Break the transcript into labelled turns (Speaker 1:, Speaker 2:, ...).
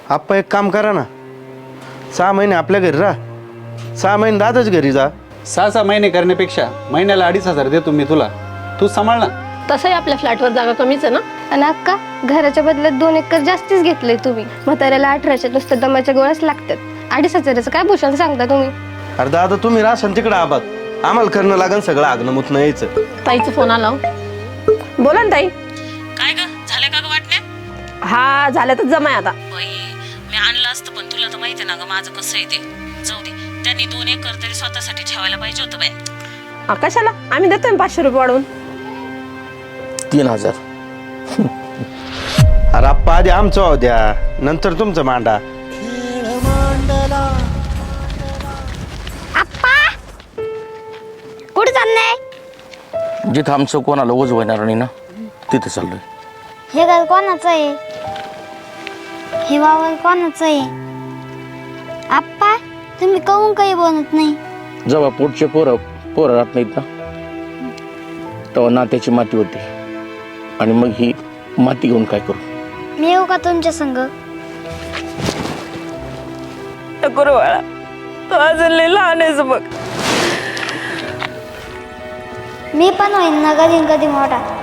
Speaker 1: आप्पा एक काम करा ना, 6 महिने आपल्या घरी राहा, 6 महिने दादाच घरी जा.
Speaker 2: 6 महिने करण्यापेक्षा महिन्याला 2,500 देतो मी तुला, तू सांभाळ ना.
Speaker 3: तसंही आपल्या फ्लॅटवर जागा कमीच आहे ना.
Speaker 4: आणि अक्का, घराच्या बदल्यात 2 एकर जास्तीच घेतले तुम्ही. म्हाताऱ्याला 18च्या नुसतं दमाच्या गोळ्याच लागतात. 2,500चं काय भूषण सांगता तुम्ही?
Speaker 1: अरे दादा तुम्ही राहसान तिकडं आबाद, आम्हाला करणं लागन सगळं आगणं मुतणं यायचं.
Speaker 3: ताईचा फोन आला.
Speaker 5: बोला ना ताई.
Speaker 6: काय ग झालं का ग वाटण्या?
Speaker 5: हा झालं तर जमाय आता.
Speaker 6: बाई मी आणलं असतं पण तुला तर माहिती ना ग माझं कसं आहे ते. जाऊ दे, त्यांनी 2 एकर तरी स्वतःसाठी ठेवायला पाहिजे होतं बाय.
Speaker 5: कशाला? आम्ही देतोय 500 रुपये वाढवून.
Speaker 7: 3,000.
Speaker 1: अरे आप्पा आधी आमचं वाहू द्या, नंतर तुमचं मांडा.
Speaker 4: कुठे चाललंय?
Speaker 7: जिथं आमचं कोणाला ओझ होणार नाही ना तिथे चाललोय.
Speaker 4: हे घर कोणाचं आहे? हे वावर कोणाचं आहे? आप्पा, तुम्ही काहून काही बनत नाही?
Speaker 7: जेव्हा पोटचे पोरं राहत नाहीत ना तेव्हा नात्याची माती होते, आणि मग ही माती घेऊन काय करू?
Speaker 4: मी येऊ का तुमच्या संग?
Speaker 5: नको रे बाळा, तो अजून लय लहान आहेस बघ.
Speaker 4: मी पण होईन ना कधी कधी मोठा.